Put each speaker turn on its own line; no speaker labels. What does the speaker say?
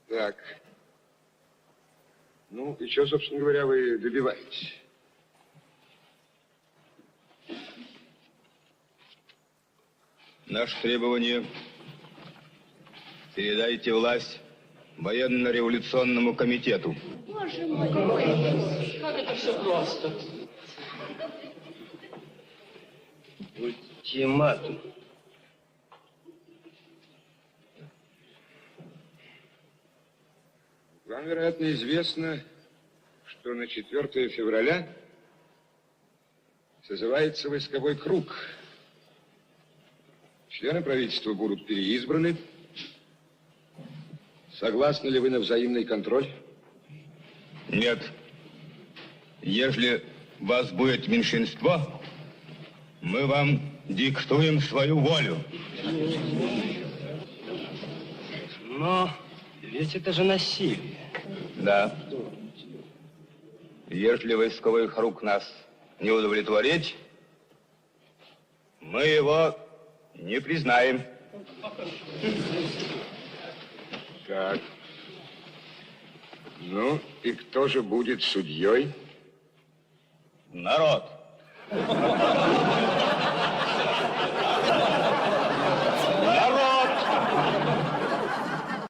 Так. Ну, и что, собственно говоря, вы добиваетесь?
Наше требование: передайте власть военно-революционному комитету.
Боже мой, как это все просто.
Ультиматум.
Вам, вероятно, известно, что на 4 февраля созывается войсковой круг. Члены правительства будут переизбраны. Согласны ли вы на взаимный контроль?
Нет. Если вас будет меньшинство, мы вам диктуем свою волю.
Но ведь это же насилие.
Да. Если войсковой круг нас не удовлетворит, мы его не признаем.
Так. Ну, и кто же будет судьей?
Народ.